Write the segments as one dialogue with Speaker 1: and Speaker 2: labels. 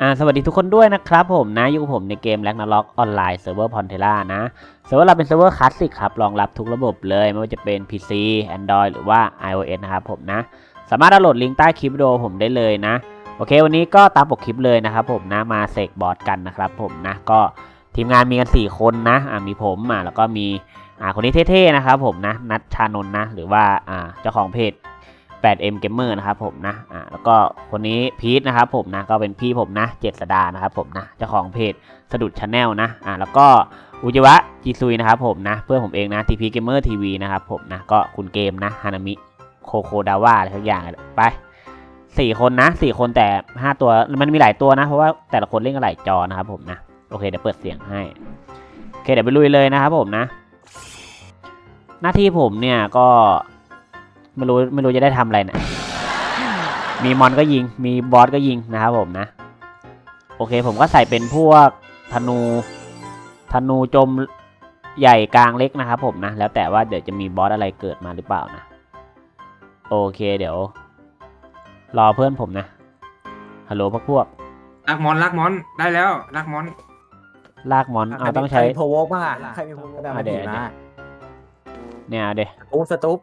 Speaker 1: สวัสดีทุกคนด้วยนะครับผมนะอยู่กับผมในเกม Ragnarok ออนไลน์เซิร์ฟเวอร์ Pantera นะเซิร์ฟเวอร์เราเป็นเซิร์ฟเวอร์คลาสสิกครับรองรับทุกระบบเลยไม่ว่าจะเป็น PC Android หรือว่า iOS นะครับผมนะสามารถดาวน์โหลดลิงก์ใต้คลิปวิดีโอผมได้เลยนะโอเควันนี้ก็ตามปกคลิปเลยนะครับผมนะมาเสกบอสกันนะครับผมนะก็ทีมงานมีกัน4คนนะมีผมแล้วก็มีคนนี้เท่ๆนะครับผมนะนัทชานนท์นะหรือว่าเจ้าของเพจ8M Gamer นะครับผมนะแล้วก็คนนี้พีทนะครับผมนะก็เป็นพี่ผมนะเจษดานะครับผมนะเจ้าของเพจสะดุดชาแนลนะแล้วก็อุจิวะจีซุยนะครับผมนะเพื่อนผมเองนะ TP Gamer TV นะครับผมนะก็คุณเกมนะฮานามิโคโคดาวะอะไรทุกอย่างไป4คนนะ4คนแต่5ตัวมันมีหลายตัวนะเพราะว่าแต่ละคนเล่นกันหลายจอนะครับผมนะโอเคเดี๋ยวเปิดเสียงให้โอเคเดี๋ยวไปลุยเลยนะครับผมนะหน้าที่ผมเนี่ยก็ไม่รู้จะได้ทำอะไรนะมีมอนก็ยิงมีบอสก็ยิงนะครับผมนะโอเคผมก็ใส่เป็นพวกธนูจมใหญ่กลางเล็กนะครับผมนะแล้วแต่ว่าเดี๋ยวจะมีบอสอะไรเกิดมาหรือเปล่านะโอเคเดี๋ยวรอเพื่อนผมนะฮัลโหลพวก
Speaker 2: ลากมอนได้แล้วลากมอน
Speaker 1: ต้องใช้
Speaker 3: โพวกป่ะใครมีโพวกได้มาดีนะ
Speaker 1: เนี่ยเดี๋ยว
Speaker 3: สตูป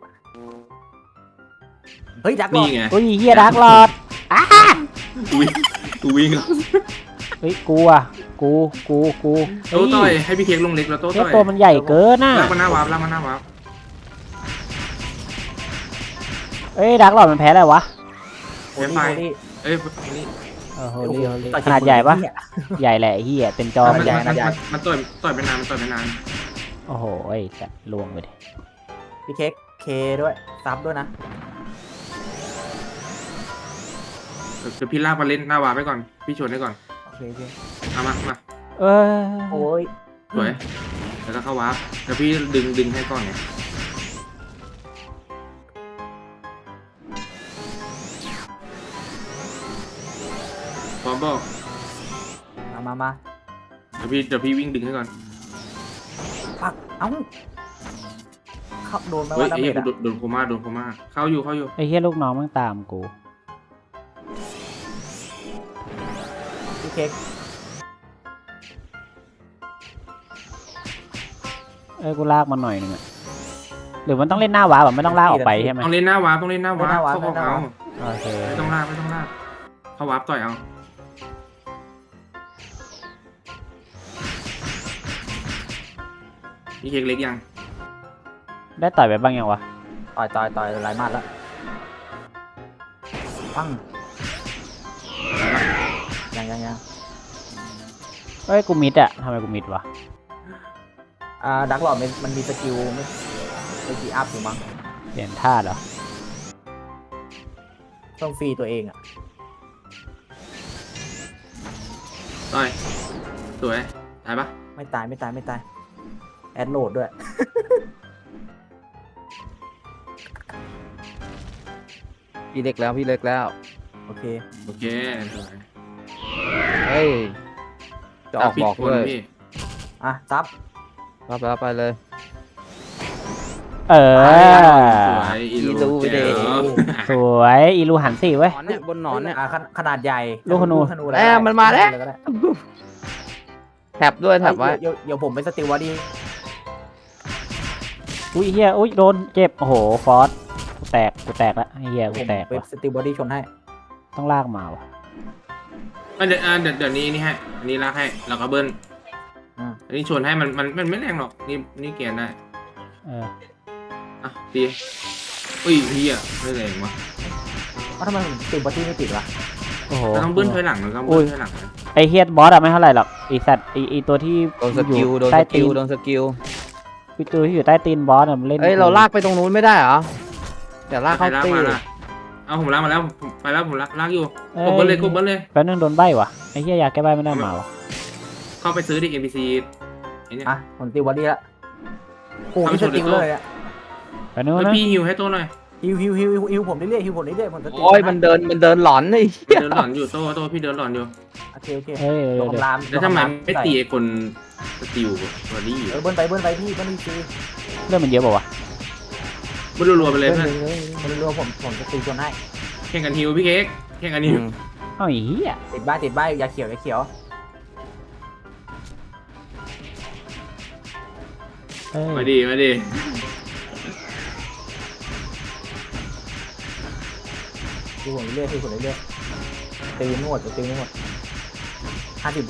Speaker 3: เฮ้ยดักหลอด
Speaker 1: เฮ้ยเฮียดักหลอด
Speaker 2: กูวิ่งแล้ว
Speaker 1: เฮ้ยกู
Speaker 2: โต้ต่อยให้พี่เค้กลงเล็กแล้วโต้ต่อย
Speaker 1: ตัวมันใหญ่เกินน่ะ
Speaker 2: ลากมันหน้าวาร์ป
Speaker 1: เอ้ยดักหลอดมันแพ้อะไรวะ
Speaker 2: แพ้ไฟ
Speaker 1: โฮลี่ขนาดใหญ่ปะใหญ่แหละเฮียเต็มจอ
Speaker 2: มันใหญ่มันต่อยไปนาน
Speaker 1: โอ้โหจะลวงไปดิ
Speaker 3: พี่เค้กเคด้วยซับด้วยนะ
Speaker 2: เดี๋ยวพี่ลากมาเล่นหน้าวาร์ปไปก่อนพี่ชนให้ก่อน
Speaker 3: โอเค
Speaker 2: มา
Speaker 3: โอ้ย
Speaker 2: สวยแล้วก็เข้าวาร์ปเดี๋ยวพี่ดึงให้ก่อนไงพร้อมบอก
Speaker 3: มา
Speaker 2: เดี๋ยวพี่วิ่งดึงให้ก่อน
Speaker 3: ปักเอ้าเข้าโดนมา
Speaker 2: ว่าโดนโคม่าเข้าอยู่
Speaker 1: ไอ้เหี้ยลูกน้องมันตามกู
Speaker 3: พี่เค้ก
Speaker 1: กูลากมันหน่อยนึงหรือมันต้องเล่นหน้าวาแบบไม่ต้องลากออกไปใช่ไหม
Speaker 2: ต้องเล่นหน้าวาเข้า
Speaker 1: โอเค
Speaker 2: ไม่ต้องลากเข้าวาร์ปต่อยเอาพี่เค้กเล็กยัง
Speaker 1: ได้ต่อยไปบ้างยังวะ
Speaker 3: ต่อยหลายมัดแล้วปังยัง
Speaker 1: เฮ้ยกูมิดอะทำไมกูมิดวะ
Speaker 3: ดักหลอดมันมีสกิลไม่กี่อัพอยู่มั้ง
Speaker 1: เปลี่ยนท่าเหรอ
Speaker 3: ต้องฟรีตัวเองอะ
Speaker 2: ต่อยสวยตายปะ
Speaker 3: ไม่ตายแอดโหลดด้วย
Speaker 4: พี่เล็กแล้ว
Speaker 3: โอเค
Speaker 2: สวย
Speaker 4: เฮ้ยจะออกบอกเลย
Speaker 3: ซับ
Speaker 4: รับไปเลย
Speaker 2: สวยอีลูเด
Speaker 1: สวยอีลูหันสิเว้ย
Speaker 4: บนหนอนเนี่ย
Speaker 3: ขนาดใหญ่
Speaker 1: ลูกธนู
Speaker 4: มันมาแล้วแท็บด้วยแท็บไว้
Speaker 3: เดี๋ยวผมไปสติลวะดี
Speaker 1: อุ้ยเฮียอุ้ยโดนเจ็บโอ้โหฟอสกูแตกแล้วเฮียกูแตก
Speaker 3: สติลบอดี้ชนให้
Speaker 1: ต้องลากมาวะ
Speaker 2: เดี๋ยวนี้ให้อันนี้ลากให้แล้วก็เบิ้ลอันนี้ชนให้มันไม่แรงหรอกนี่เกียร์ได้ตีอุ้ยพี่ไม่แรงวะ
Speaker 3: ทำไมติดบอดี้ไม่ติดวะ
Speaker 1: โอ้โห
Speaker 2: ต้องเบิ้ลถอยหลังต้องเบิ้ลถอยหลัง
Speaker 1: ไอเฮียบอสไม่เท่าไหร่หรอกไอสัตว์ไอตัวที่
Speaker 4: โดนสกิลโดนสกิล
Speaker 1: ตัวที่อยู่ใต้ตีนบอสมันเล่น
Speaker 4: เราลากไปตรงนู้นไม่ได้เหรอแต่ลากเข้าตี
Speaker 2: เอาผมลากมาแล้วไปแล้วผมลากอยู่กบเบิ้ลเลย
Speaker 1: แป๊บนึงโดนใบวะไอเฮียอยากแก้ใบไม่ได้มาวะ
Speaker 2: เข้าไปซื้อดิ NPC ไอ้นี่
Speaker 3: ผมตีบอดี้ละโอ้ยสติลเลยอะ
Speaker 1: แป๊บนึงนะ
Speaker 2: พี่ฮิวให้ตัวหน่อย
Speaker 3: ฮิวผมเรื่อยๆผมสติล
Speaker 4: โอ้ยมันเดินหลอนเลย
Speaker 2: เดินหลอนอยู่โตพี่เดินหลอนอยู่
Speaker 3: โอเคแล้ว
Speaker 2: ทำไมไม่ตีไอ้คนสติลบอดี้
Speaker 3: เบิ้ลไปพี่เบิ้ลซี
Speaker 1: เรื่องมันเยอะป่าวะ
Speaker 2: มันรัวๆไปเลยเพื่อน
Speaker 3: มันรัวผมจะตีจนให้
Speaker 2: แข่งกันฮิวพี่เค้กแข่งกันฮิว
Speaker 1: เอาอีเหี้ย
Speaker 3: ติดบ้านอย่าเขียวอย่าเขียว
Speaker 1: เอ้ย
Speaker 2: มาดิมาดิ
Speaker 3: ดูผมเรื่อยตีผมเรื่อยตีไม่หมดตีไม่หมด50 วิ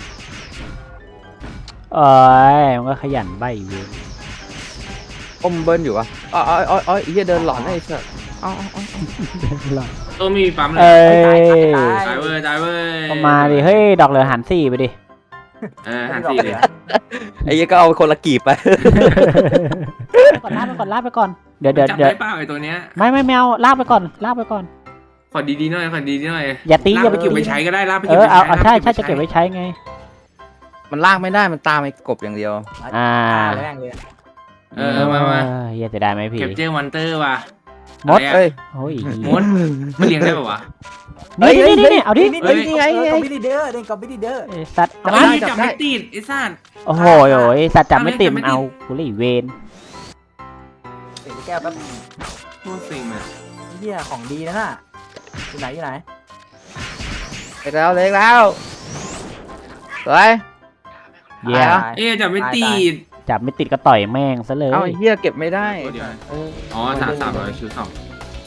Speaker 1: โอ้ยมันก็ขยันใบเว้ย
Speaker 4: อมเบิ้ลอยู่วะอ๋อเฮียเดินหลอนไอ้สัสอ๋อ
Speaker 2: โต้ไม่มีปั๊มเล
Speaker 1: เอ้
Speaker 2: ย
Speaker 1: ย
Speaker 2: ตายเว้ยตายเว้ย
Speaker 1: เอามาดิเฮ้ยดอกเหลือหัน4ไปดิ
Speaker 2: หันสี่เลย
Speaker 4: ไอ้เฮียก็เอาคนละกีบไป
Speaker 1: ก่อนลากไปก่อนเดี๋ยว
Speaker 2: จับได้เปล่าไอ้ตัวเนี้ย
Speaker 1: ไม่เอาลากไปก่อน
Speaker 2: ขอดีๆหน่อยขอดีๆหน่อย
Speaker 1: อย่าตี
Speaker 2: ลา
Speaker 1: อย่าก ไป
Speaker 2: ไปเก็บ
Speaker 1: ตี
Speaker 2: ไว้ใช้ก็ได้ลากไป
Speaker 1: เอ
Speaker 2: เก็บ
Speaker 1: อ
Speaker 2: ไว้
Speaker 1: เอา
Speaker 2: ใช้
Speaker 1: ใช่จะเก็บไว้ใช้ไง
Speaker 4: มันลากไม่ได้มันตามไอ้กบอย่างเดียว
Speaker 3: แรงเลย
Speaker 2: มา
Speaker 1: เหี้ยจะได้ไหมพี่
Speaker 2: เก็บเจอมอนเตอร์ว่ะ
Speaker 1: มด
Speaker 4: เอ้ย
Speaker 1: โอ้ย
Speaker 2: มดมันเลี้ยงได้ป่าวะ
Speaker 1: นี่เอาดิ
Speaker 3: เฮ้ยนี่ไงกอบบิลีเดอร์เด้งกอบบิลีเดอร์
Speaker 1: ไอ้สัตว์
Speaker 2: จับ
Speaker 1: มา
Speaker 2: ไม่จับไม่ติดไอ้สัตว์
Speaker 1: โอ้โหสัตว์จับไม่ติดมันเอากูเลยเวน
Speaker 3: เตะแก้วแป๊บ
Speaker 2: โคตรสิงเลย
Speaker 3: เหี้ยของดีนะน่ะอยู่ไหน
Speaker 4: เล็กแล้วสวย
Speaker 1: เหี้ย
Speaker 2: เอ๊ะจับไม่ติด
Speaker 1: จับไม่ติดก็ต่อยแม่งซะเลย
Speaker 4: เอาไอ้เฮียเก็บไม่ได้
Speaker 2: เดี๋ยวอ๋อ300คิว2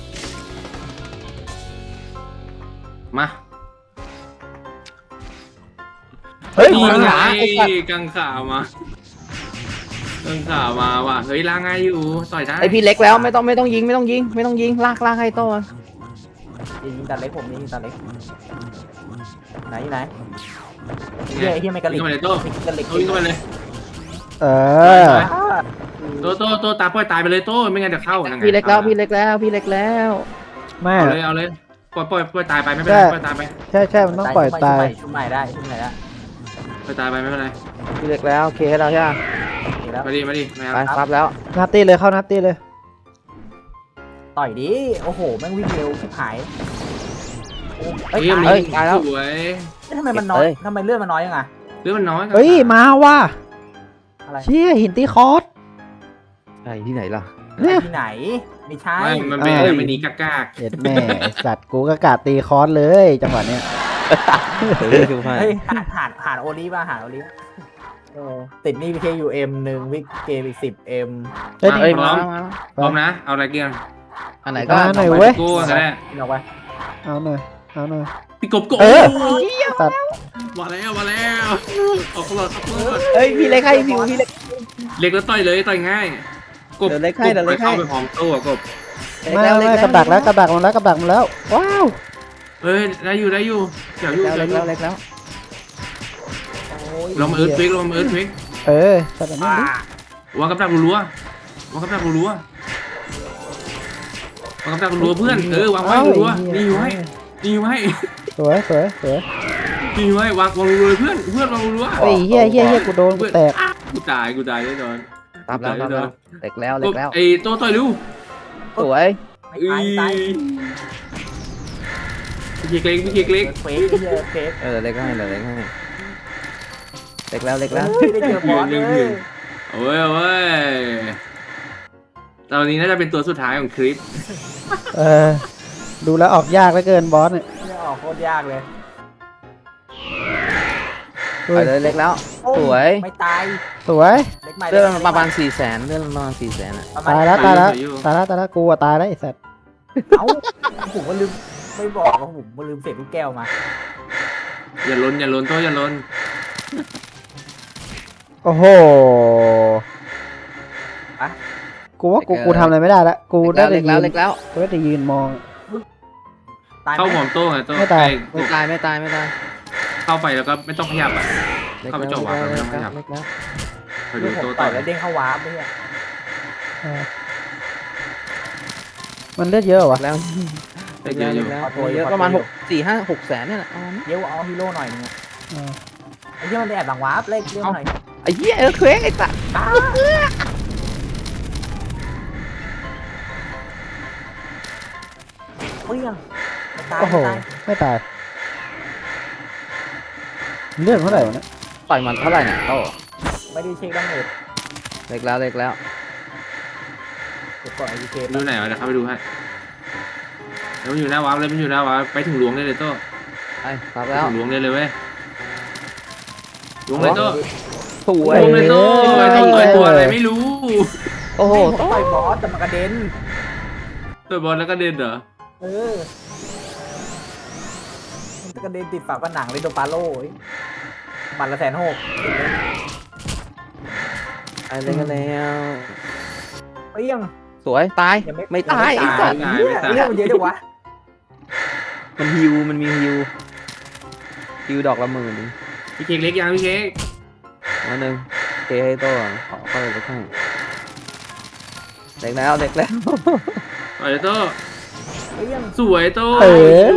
Speaker 2: มา
Speaker 1: เฮ้ย
Speaker 2: นี่
Speaker 1: มา
Speaker 2: ไง
Speaker 4: ไอ้สัตว์
Speaker 2: กังขามากังขามาว่ะเฮ้ยล้างไงอยู่ต่อยได้
Speaker 4: ไอพี่เล็กแล้วไม่ต้องยิงลากให้โต้
Speaker 3: ยิงตาเล็กผมยิงตาเล็กไหนเฮียไม่กระลิ
Speaker 2: วิ่
Speaker 3: ก
Speaker 2: งเข้าไปเลยโต้
Speaker 3: กระลิก
Speaker 2: โต้วิ่งเข้าไปเลย
Speaker 1: เออ
Speaker 2: โต้ตาปล่อยตายไปเลยโต้ไม่งั้นจะเข้านั่นไง
Speaker 4: พี่เล็กแล้ว
Speaker 1: ไม่
Speaker 2: เอาเลยปล่อยตายไปไม่เป็นไรปล่อยตายไป
Speaker 1: ใช่มันต้องปล่อยตาย
Speaker 3: ชุบใหม่ได้
Speaker 2: ปล่อยตายไปไม่เป็นไร
Speaker 4: พี่เล็กแล้วโอเคให้เราใช่ไหม
Speaker 3: แล้ว
Speaker 2: มาดิไม่
Speaker 4: ไป
Speaker 2: เอา
Speaker 4: ครับแล้ว
Speaker 1: นัตตี้เลยเข้านัตตี้เลย
Speaker 3: ต่อยดิโอ้โหแม่งวิ่งเร็วชิบหาย
Speaker 2: เฮ้ย
Speaker 4: ตายแล้ว
Speaker 2: สวย
Speaker 3: ทำไมมันน้อยทำไมเลือดมันน้อยยังไง
Speaker 2: เรื่องมันน้อย
Speaker 1: เฮ้ยมาว่ะ
Speaker 3: อะไร
Speaker 1: เชี่ยหินตีคอร์ส
Speaker 4: ไอ้ที่ไหนล่ะ
Speaker 3: ที่ไหนไม่ใช่
Speaker 2: ไม่มันเป็นอะไรไม่หนีกาก
Speaker 1: เด็ดแม่ไอ้สัตว์กูก็กะตีคอร์สเลยจังหวะเนี้ย
Speaker 3: เฮ้ยหาโอลิป่ะหาโอลิติดนี่พีเคยูเอ็ม1วิกเกมอีก10M
Speaker 1: เฮ้ย
Speaker 4: เอ้ย
Speaker 1: นี่
Speaker 4: มา
Speaker 2: พร้อมนะเอาอะไรเกี่ยง
Speaker 4: อันไหนก็
Speaker 1: มาหน่อยเว้ย
Speaker 2: กูกันแน่
Speaker 3: นี่ออกไป
Speaker 1: เอาหน่อย
Speaker 2: พี่กบ
Speaker 1: เออ
Speaker 2: ตัดมาแล้วออกหลอด
Speaker 4: เฮ้ยพี่เล็กให้พี่เล็ก
Speaker 2: เล็กแล้วต่อยเลยต่อยง่ายกบ
Speaker 4: เดี๋ยวเล็กให้เดี๋ยวเล็กให้
Speaker 2: เข้าไปพร้อมโต้กบ
Speaker 1: ไม่กับดักมันแล้วว้าว
Speaker 2: เฮ้ยได้อยู่เกี่ยวอยู่
Speaker 4: เล็กแล้ว
Speaker 2: ลองมาเอิร์ธเวก
Speaker 1: เออสัตว์นี้ดิ
Speaker 2: วางกับดักรัววางกับดักรัวเพื่อนวางไว้รัวนี่อยู่ให้
Speaker 1: สวย
Speaker 2: นี่อยู่ให้วางรัวเพื่อนวางรัว
Speaker 1: เฮ้ยเฮียกูโดนกูแตก
Speaker 2: กูตายแน่นอน
Speaker 4: ตามแล้วเล็กแล้ว
Speaker 2: ไอ้โต้ต่อยดู
Speaker 4: สวย
Speaker 3: ไม่ตาย
Speaker 2: พี่เล็ก
Speaker 3: เฟกเฟก
Speaker 4: เล็กให้เล็กแล้ว
Speaker 3: ได้เจอบอสเลย
Speaker 2: โอ้ยตอนนี้น่าจะเป็นตัวสุดท้ายของคลิป
Speaker 1: ดูแล้วออกยากเหลือเกินบอสเนี่ย
Speaker 3: เนี่ยออกโคตรยากเลย
Speaker 4: ไปเลยเล็กแล้วสวย
Speaker 3: ไม่ตาย
Speaker 1: สวย
Speaker 3: เล็กใหม่
Speaker 4: เลื่อนประมาณ400,000เลื่อนประมาณ400,000อ่ะ
Speaker 1: ตายแล้วกูอะตายแล้วไอ้สัตว์
Speaker 3: เอ้าผมก็ลืมไม่บอกว่าผมลืมเศษลูกแก้วมา
Speaker 2: อย่าล้นโต้อย่าล้น
Speaker 1: โอ้โหกูว่ากูทำอะไรไม่ได้ละกูได้แต่
Speaker 4: เล็ก
Speaker 1: ยื
Speaker 4: แล้ว
Speaker 1: น
Speaker 4: เล็กแล้ว
Speaker 1: กูได้แต่ยืนมอง
Speaker 3: ตาย
Speaker 2: เข้าหมอมโต้ไงโต้
Speaker 1: ไม่ตาย
Speaker 4: ไม่ตาย
Speaker 2: เข้าไปแล้วก็ไม่ต้องขยับอ่ะ
Speaker 4: เล็ก
Speaker 2: เข้าไปจบวะไม่ต้องขยับ
Speaker 4: เล็กแล้ว
Speaker 2: ไปดู
Speaker 3: ผม
Speaker 2: โต้
Speaker 3: ต่
Speaker 2: ต่
Speaker 3: อ
Speaker 2: อย ย
Speaker 3: แล้วเด้งเข้าวาร์ปเนี่ย
Speaker 1: มันเลือดเยอะวะ
Speaker 4: แล้วเล็กแล้วเยอะประมาณ600,000เนี่ยแหละ
Speaker 3: เดี๋ยวเอาฮีโร่หน่อยนึงไอ้ที่มันแอบหลังวาร์ปเล็กเรื่องหน่อย
Speaker 4: ไอ้เหี้ยเควกไอ้สัตว์
Speaker 3: เปี้ยงตาย
Speaker 1: โอ้โหไม่ตายเลือดเท่าไหร่วะเนี่ย
Speaker 4: ต่อยมันเท่าไหร่เนี่ยโอ้
Speaker 3: ไม่ได้เช็คดังเน็ต
Speaker 4: เล็กแล้ว
Speaker 3: เก็บก่อนไอพีเค
Speaker 2: ดูไหนวะเดี๋ยวเข้าไปดูให้แล้วมันอยู่หน้าวาร์ปเลยมันอยู่หน้าวาร์ปไปถึงหลวงได้เลยโต้
Speaker 4: ไปรับแล้ว
Speaker 2: ล้วงเลยเว้ยล้วงเลยโต้
Speaker 4: สว
Speaker 2: ล้ว
Speaker 4: ย
Speaker 2: งเลยโต้ต่อยตัวอะไรไม่รู้
Speaker 4: โอ้โห
Speaker 3: ผมต่อยบอสแต่มันกระเด็น
Speaker 2: ต่อยบอลแล้วก็เดินเหรอ
Speaker 3: เออมันกระเด็นติดฝาผนังเลยโดนปาโล่มันละ160,000
Speaker 4: ไปเลยกันแล้ว
Speaker 3: เอ้ยยัง
Speaker 4: สวยตาย
Speaker 3: ยัง
Speaker 4: ไม่ตายไอ้
Speaker 3: ยัง
Speaker 4: สัตว์
Speaker 3: เรื่องมันเยอะจังวะ
Speaker 4: มันฮิวมันมีฮิวดอกละ10,000
Speaker 2: พี่เค้กเล็กยังพี่เค้ก
Speaker 4: มาหนึ่งเคให้โต้ขอเข้าไปสักให้เด็กแล้ว
Speaker 2: ต่อยโต้
Speaker 3: เอ้ยยัง
Speaker 2: สวยโต้
Speaker 1: เออ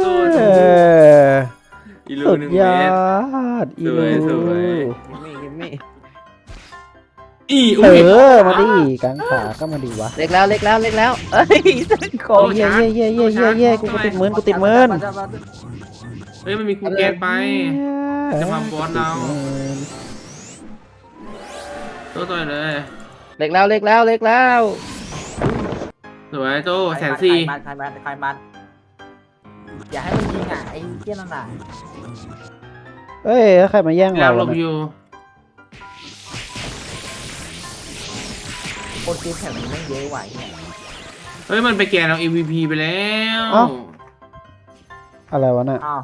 Speaker 2: อีลู
Speaker 1: สุด
Speaker 2: 1
Speaker 1: ย
Speaker 2: เม
Speaker 1: อ
Speaker 2: ตร
Speaker 1: ดอี
Speaker 2: สวยสวย
Speaker 4: กิมมี่
Speaker 2: อี
Speaker 1: เอ
Speaker 2: อุ้ย
Speaker 1: อมาดิกลางขาก็มาดิวะ
Speaker 4: เล็กแล้วเอ้ยโค
Speaker 1: โอ้ยเย่เย่เย่เย่เย่กูติดมืน
Speaker 2: เฮ้ยมันมีคูเกตไปจะมาบอสเราโต้ต่อยเลย
Speaker 4: เล็กแล้ว
Speaker 2: สวยโต้140,000
Speaker 3: ใครมันอย่าให้มันยิงอ่ะไอ้เหี้ยนั่นน่ะ
Speaker 1: เอ้ยใครมาแย่ง
Speaker 2: เรา
Speaker 1: เรา
Speaker 2: หลบ
Speaker 1: เนี่ย
Speaker 2: อยู่
Speaker 3: คนซื้อแข่งมันไม่เยอะไหวเนี่ย
Speaker 2: เฮ้ยมันไปแกนเรา MVP ไปแล้ว
Speaker 1: อะไรวะน่ะ
Speaker 3: อ้าว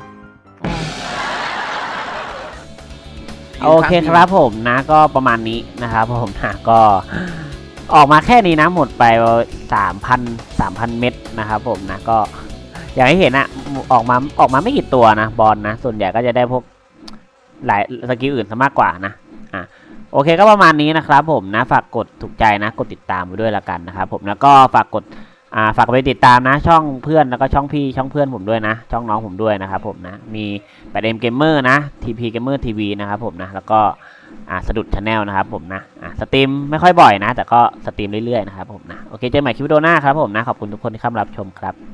Speaker 1: โอเคครับผมนะก็ประมาณนี้นะครับผมนะก็ออกมาแค่นี้นะหมดไป3,000 เม็ดนะครับผมนะก็อย่างที่เห็นอะออกมาไม่กี่ตัวนะบอลนะส่วนใหญ่ก็จะได้พวกหลายสกิลอื่นซะมากกว่านะโอเคก็ประมาณนี้นะครับผมนะฝากกดถูกใจนะกดติดตามไปด้วยละกันนะครับผมแล้วก็ฝากไปติดตามนะช่องเพื่อนแล้วก็ช่องพี่ช่องเพื่อนผมด้วยนะช่องน้องผมด้วยนะครับผมนะมี8M Gamer นะ TP Gamer TV นะครับผมนะแล้วก็สะดุด Channel นะครับผมนะสตรีมไม่ค่อยบ่อยนะแต่ก็สตรีมเรื่อยๆนะครับผมนะโอเคเจอกันใหม่คลิปวิดีโอหน้าครับผมนะขอบคุณทุกคนที่เข้ามารับชมครับ